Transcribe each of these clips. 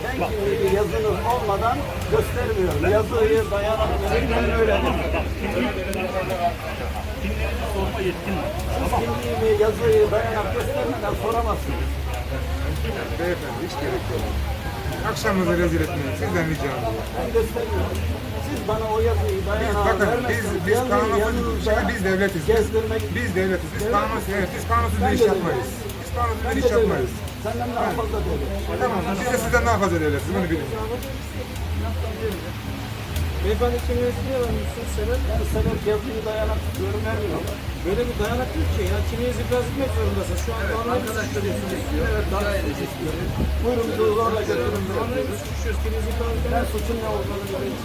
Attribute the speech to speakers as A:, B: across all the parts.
A: kimliği yazınız olmadan göstermiyorum. Yazıyı, dayanakları ben öyle dedim.
B: Kimliğinizi sorma yetkin var. Tamam.
A: Kimliğimi, yazıyı, dayanak göstermeden soramazsınız.
C: Beyefendi hiç gerek yok. Akşamınızı rezil etmeyin. Sizden ricam bu.
A: Ben gösteriyorum. Siz bana o yazıyı, dayanağı
C: Bakın
A: vermezseniz
C: biz
A: yazıyı
C: kanunsuz,
A: yanınızda
C: biz devletiz.
A: gezdirmek...
C: Biz devletiz. Biz
A: Devlet
C: kanunsuz,
A: mi?
C: evet, biz kanunsuz
A: Ben
C: bir iş
A: de
C: yapmayız.
A: devletim.
C: Biz kanunsuz
A: Ben
C: bir
A: de
C: iş yapmayız.
A: devletim. Senden daha fazla devlet.
C: Tamam, biz de sizden daha fazla devletiz. Bunu bilin.
D: Beyefendi kimliğinizi niye vermiyorsunuz? Sebep?
A: Ben sebep yazıyı, dayanak tutuyorum, vermiyorum.
D: Böyle bir dayanak yok ki. Ya kimliğinizi biraz etmek zorundasın. Şu an kanunumuzu suçluyorsunuz.
A: Evet, daha istiyorum. Buyurun, zorla götürün.
D: Kanunumuzu suçluyoruz. Kimliğinizi ifade
A: Ben
D: edemez.
A: suçun ne olduğunu bileyim.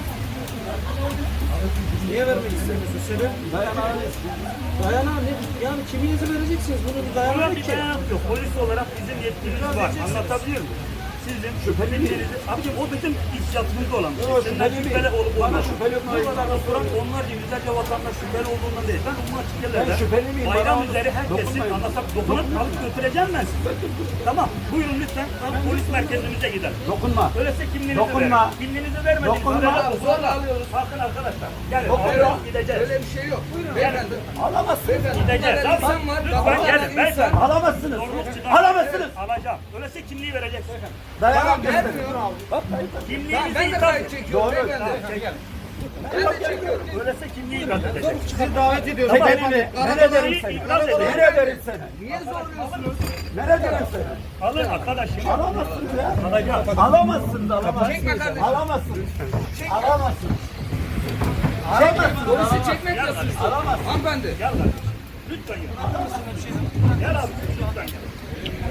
D: Niye vermek istemiyorsun? Sebep?
A: Dayanağını istiyorum.
D: Dayanağı ne? Yani kimliğinizi vereceksiniz. Bunu bir
B: Buna
D: dayanak
B: bir
D: ki.
B: dayanak yok. Polis olarak bizim yetkimiz var. Anlatabiliyor muyum? Sizin şüphelilerinizi, abicim o bizim ihtiyatımızda olan.
A: Yok,
B: Sizden
A: şüpheli
B: şüpheli
A: miyim?
B: olup
A: Bana
B: olmaz.
A: şüpheli
B: Bu kadar
A: olmayan
B: oturan onlarca yüzlerce vatandaş şüpheli olduğundan değil. Ben umma açık yerlerde
A: Ben şüpheli miyim?
B: bayram
A: Bana
B: üzeri herkesin
A: dokunmayın.
B: anlatıp dokunup alıp götüreceğim ben sizi. Tamam. Buyurun lütfen polis merkezimize gidelim.
A: Dokunma.
B: Öyleyse kimliğinizi
A: Dokunma.
B: verin. Kimliğinizi vermediniz.
A: Dokunma.
B: Zorla alıyoruz. Bakın arkadaşlar. Gelin.
A: Dokunma.
B: Gideceğiz.
E: Öyle bir şey yok. Buyurun beyefendi.
A: Alamazsınız.
B: Gideceğiz.
E: Bunlar
B: Tamam.
E: insan var,
B: Lütfen
E: bunlar
B: gelin.
E: insan.
B: Beyefendi.
A: Alamazsınız.
B: Zorluk çıkar.
A: Alamazsınız.
B: Alacağım. Öyleyse kimliği vereceksin.
A: Dayanak
E: Ben
A: gösterin.
E: vermiyorum.
A: Bak,
B: Kimliğinizi
E: Ben de
B: ithal
E: kayıt
B: edin.
E: çekiyorum
A: Doğru.
E: beyefendi. Ben de çekiyorum.
B: Öyleyse kimliği ithal edeceksin.
D: Sizi davet ediyoruz.
A: Çekenimi. Nereye derim seni? Nereye derim seni?
E: Niye zorluyorsunuz?
A: Nereye derim seni?
B: Alın arkadaşım.
A: Alamazsınız ya.
B: Alacağım.
A: Alamazsınız, alamazsınız.
E: Çekme kardeşim.
A: Alamazsınız. Alamazsınız. Alamazsınız.
E: Polisi çekmek nasıl?
A: Alamazsınız.
E: Hanımefendi.
B: Gel lan. Lütfen gel. Gel abi. Lütfen gel.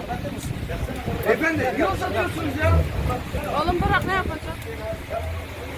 E: Efendi niye uzatıyorsunuz ya?
F: Oğlum bırak ne yapacak?